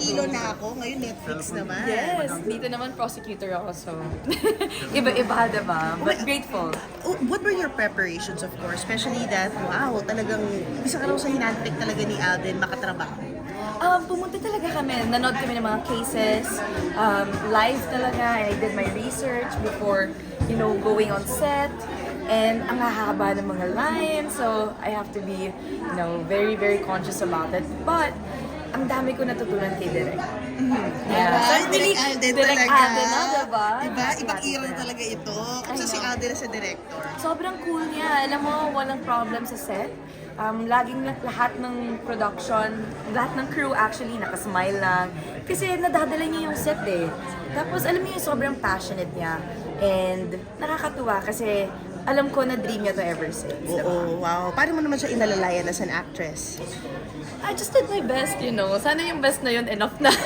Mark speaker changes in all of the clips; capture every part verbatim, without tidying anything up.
Speaker 1: Iloilo na ako, ngayon Netflix naman.
Speaker 2: Yes, dito naman prosecutor ako, so iba-iba, diba? But grateful.
Speaker 1: Oh, what were your preparations, of course? Especially that, wow, talagang isa ka raw sa hinantik talaga ni Alden makatrabaho.
Speaker 2: Um, pumunta talaga kami, nanood kami ng mga cases, um, live talaga, and I did my research before, you know, going on set. And ang hahaba ng mga lines, so I have to be, you know, very, very conscious about it. But, ang dami ko natutunan kay Direk. Yeah.
Speaker 1: Ay,
Speaker 2: So,
Speaker 1: Direk
Speaker 2: really,
Speaker 1: Alden
Speaker 2: Direk
Speaker 1: talaga.
Speaker 2: Alden na, diba?
Speaker 1: Diba? Ibang era talaga ito. Kasi
Speaker 2: I
Speaker 1: si
Speaker 2: know.
Speaker 1: Alden sa director.
Speaker 2: Sobrang cool niya. Alam mo, walang problem sa set. Um, laging lah- lahat ng production, lahat ng crew actually nakasmile lang. Kasi nadadala niya yung set eh. Tapos alam mo yung sobrang passionate niya. And nakakatuwa kasi alam ko na dream niya to ever since.
Speaker 1: Oo,
Speaker 2: diba?
Speaker 1: wow. Paano mo naman siya inalalayan as an actress?
Speaker 2: I just did my best, you know. Sana yung best na yun enough na.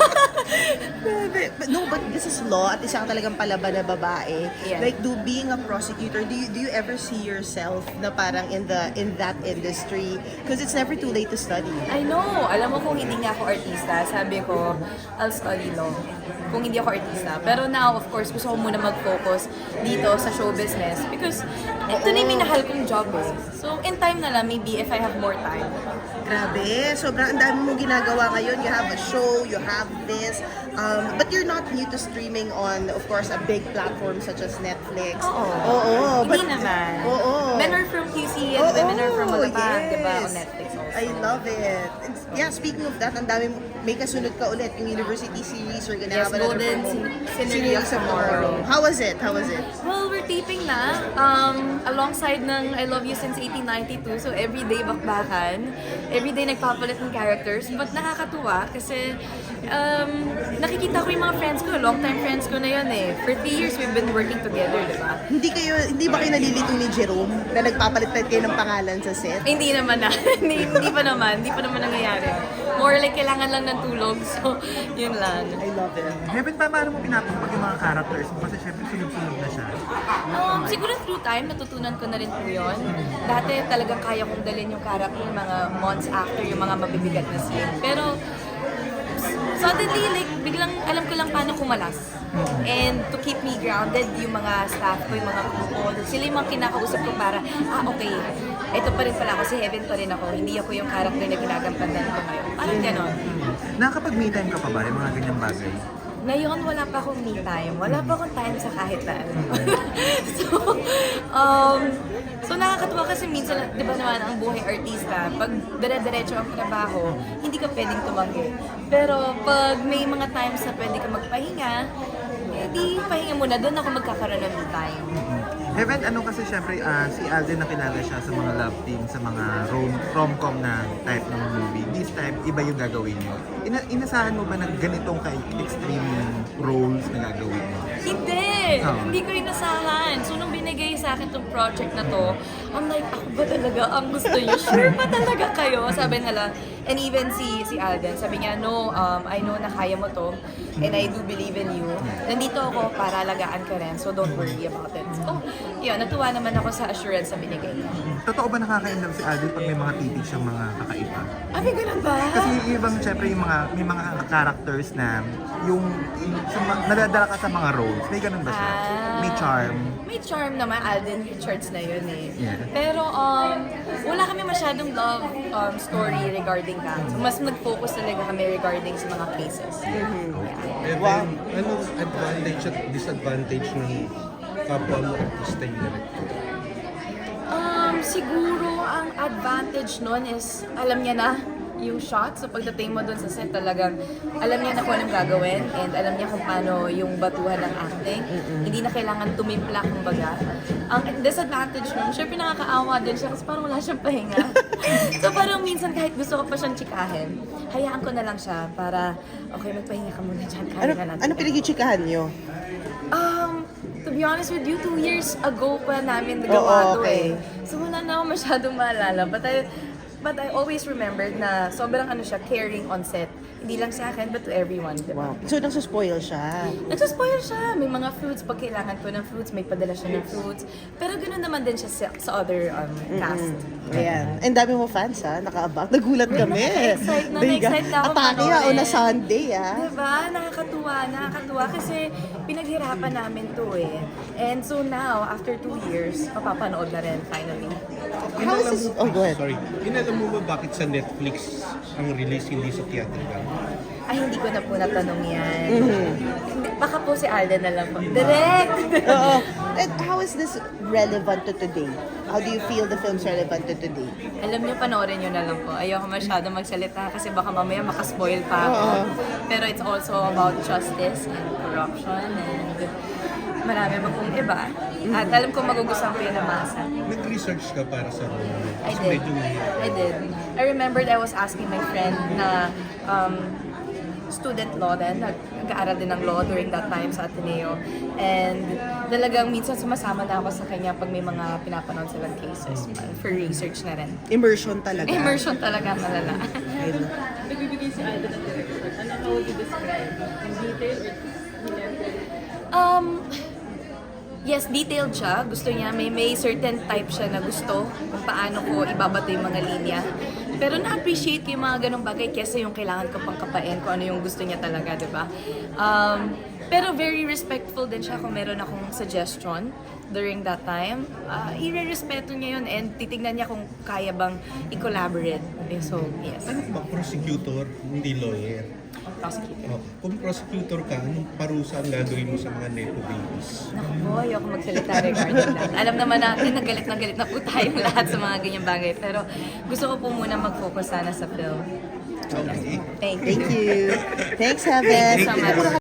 Speaker 1: Grabe. But no, but this is law at isang talagang palaban na babae.
Speaker 2: Yeah.
Speaker 1: Like, do being a prosecutor, do you, do you ever see yourself na parang in the in that industry? Because it's never too late to study.
Speaker 2: I know. Alam mo kung hindi nga ako artista, sabi ko, I'll study law. Kung hindi ako artista. Pero now, of course, gusto ko muna mag-focus dito sa show business because ito na yung minahal kong job eh. So, in time na lang, maybe if I have more time.
Speaker 1: Grabe. Sobrang ang dami mong ginagawa ngayon. You have a show, you have this. Um, but you're not new to streaming on, of course, a big platform such as Netflix.
Speaker 2: Oo.
Speaker 1: Oo.
Speaker 2: Hindi
Speaker 1: but-
Speaker 2: naman.
Speaker 1: Oo.
Speaker 2: Men are from Q C and
Speaker 1: Oo,
Speaker 2: women are from Malapag,
Speaker 1: yes.
Speaker 2: diba? On Netflix also.
Speaker 1: I love it. And yeah, speaking of that, ang dami mo- may kasunod ka ulit, yung university series, we're gonna
Speaker 2: Yes,
Speaker 1: have another
Speaker 2: Golden
Speaker 1: promo.
Speaker 2: Syn- Scenery of Tomorrow.
Speaker 1: How was it? How was it?
Speaker 2: Well, we're taping na um, alongside ng I Love You Since eighteen ninety-two. So, everyday bakbakan. Everyday nagpapalit ng characters. But nakakatuwa kasi um, nakikita ko yung mga friends ko. Long-time friends ko na yun eh. For three years, we've been working together, di ba?
Speaker 1: Hindi kayo, hindi ba kayo nalilito ni Jerome na nagpapalit-palit kayo ng pangalan sa set?
Speaker 2: Hindi naman na. hindi, hindi pa naman. Hindi pa naman nangyayari. More like kailangan lang ng tulog. So, yun lang.
Speaker 1: I love it.
Speaker 3: Heaven, pa, paano mo pinapagpag yung mga characters mo? Kasi syempre sunod-sunod na siya.
Speaker 2: Um, siguro through time, natutunan ko na rin po yun. Dati talagang kaya kong dalhin yung character mga months after yung mga mabibigat na scene. Pero suddenly, like, biglang alam ko lang paano kumalas. And to keep me grounded, yung mga staff ko, yung mga crew ko, sila yung mga kinakausap ko para, ah, okay, ito pa rin pala ako, si Heaven pa rin ako, hindi ako yung character na ginagampanan ko ngayon. Parang ganon.
Speaker 3: Nakakapag-me time ka pa ba yung mga ganyang bagay?
Speaker 2: Ngayon, wala pa akong me time. Wala pa akong time sa kahit na ano. so, um, so nakakatuwa kasi minsan, di ba naman, ang buhay artista, pag dire-diretso ang trabaho, hindi ka pwedeng tumanggi. Pero pag may mga times na pwede ka magpahinga, eh di pahinga muna, doon ako magkakaroon ng me time.
Speaker 3: Heaven, ano kasi syempre ah, si Alden nakilala siya sa mga love team, sa mga rom- rom-com na type ng movie. This time, iba yung gagawin niyo. Ina- inasahan mo ba na ganitong ka-extreme roles na gagawin mo?
Speaker 2: Hindi!
Speaker 3: Oh.
Speaker 2: Hindi ko inasahan. So, nung binigay sa akin tong project na to, I'm like, ako ba talaga ang gusto niyo? Sure ba talaga kayo? Sabi nila, and even si si Alden, sabi niya, no, um, I know na kaya mo to, and I do believe in you. Nandito ako para alagaan ka rin, so don't worry about it. So, yun, natuwa naman ako sa assurance na binigay niya.
Speaker 3: Totoo ba nakaka-inlove si Alden pag may mga titig siyang mga kakaiba?
Speaker 2: Ah, may ganun ba?
Speaker 3: Kasi yung ibang, syempre, yung mga, may mga characters na yung, yung sa, ma- nadadala ka sa mga roles. May ganun ba siya?
Speaker 2: Ah.
Speaker 3: May charm.
Speaker 2: May charm naman, Alden Richards na yun eh.
Speaker 3: Yeah.
Speaker 2: Pero um, wala kami masyadong love um, story regarding that. So, mas nag-focus talaga kami regarding sa mga cases.
Speaker 4: And then, anong advantage at disadvantage ng kapwa mo artista yung director?
Speaker 2: Um, siguro ang advantage nun is alam niya na yung shot. So pagdating mo dun sa set talagang alam niya na kung anong gagawin and alam niya kung paano yung batuhan ng acting. Hindi na kailangan tumimpla kumbaga. Ang disadvantage nun, syempre nakakaawa din siya kasi parang wala siyang pahinga. So parang minsan kahit gusto ko pa siyang tsikahin, hayaan ko na lang siya para okay, magpahinga ka muna dyan. Kaya
Speaker 1: Ano,
Speaker 2: ka natin.
Speaker 1: ano pinag-chikahan niyo?
Speaker 2: Um, to be honest with you, two years ago pa namin nagawa
Speaker 1: Oo,
Speaker 2: to
Speaker 1: okay.
Speaker 2: eh. So wala na ako masyadong maalala. But I, but I always remembered na sobrang ano siya, caring on set. Hindi lang sa akin, but to everyone. Diba?
Speaker 1: Wow. So, nagsuspoil siya.
Speaker 2: Nagsaspoil siya. May mga fruits. Pag kailangan ko ng fruits, may padala siya ng fruits. Pero ganoon naman din siya sa, sa other um, cast.
Speaker 1: Ayan. And dami mo fans ha, nakaabang. Nagulat kami.
Speaker 2: Na-excite na,
Speaker 1: Biga.
Speaker 2: na-excite na ako
Speaker 1: Atake ha,
Speaker 2: panoorin.
Speaker 1: on a Sunday ha.
Speaker 2: Diba? Nakakatuwa, nakakatuwa kasi pinaghirapan namin to eh. And so now, after two years, mapapanood na rin finally.
Speaker 1: How is this? Oh, go ahead.
Speaker 4: Sorry. Inalam mo ba bakit sa Netflix ang release hindi sa theatrical?
Speaker 2: Ay, hindi ko na po natanong yan. Hindi- Baka po si Alden na lang po. Direct!
Speaker 1: Oo. And how is this relevant to today? How do you feel the film's relevant to today?
Speaker 2: Alam niyo, panoorin niyo na lang po. Ayoko masyado magsalita kasi baka mamaya makaspoil pa ako.
Speaker 1: Oo.
Speaker 2: Pero it's also about justice and corruption and marami pa pong iba. At alam ko magugustuhan ko yun ng masa.
Speaker 4: Nag-research ka para sa role mo?
Speaker 2: I
Speaker 4: Kasi
Speaker 2: did.
Speaker 4: medyo mahirap.
Speaker 2: I did. I remembered I was asking my friend na um, student law din, nag- nag-aaral din ng law during that time sa Ateneo. And talagang minsan sumasama na ako sa kanya pag may mga pinapanood silang cases for research na rin.
Speaker 1: Immersion talaga.
Speaker 2: Immersion talaga malala.
Speaker 5: Nagbibigay si Alden ng direction. Ano, how would you describe? In detail or
Speaker 2: Um, yes, detailed siya. Gusto niya, may may certain type siya na gusto kung paano ko ibabato yung mga linya. Pero na-appreciate ko yung mga ganong bagay kesa yung kailangan ko pang kapain kung ano yung gusto niya talaga, di ba? Um, pero very respectful din siya kung meron akong suggestion during that time. Uh, i-respeto niya yun and titignan niya kung kaya bang i-collaborate. Eh, So, yes.
Speaker 4: Ano ba, prosecutor, hindi lawyer?
Speaker 2: Prosecutor.
Speaker 4: Oh, kung prosecutor ka, anong parusa ang gagawin mo sa mga nepo babies?
Speaker 2: Naku po, ayoko magsalita regarding that. Alam naman natin, nagalit na galit na po tayong lahat sa mga ganyang bagay. Pero gusto ko po muna mag-focus sana sa film.
Speaker 4: Okay.
Speaker 2: Thank you.
Speaker 1: Thank you. Thanks, Heaven.
Speaker 2: Thank you so much.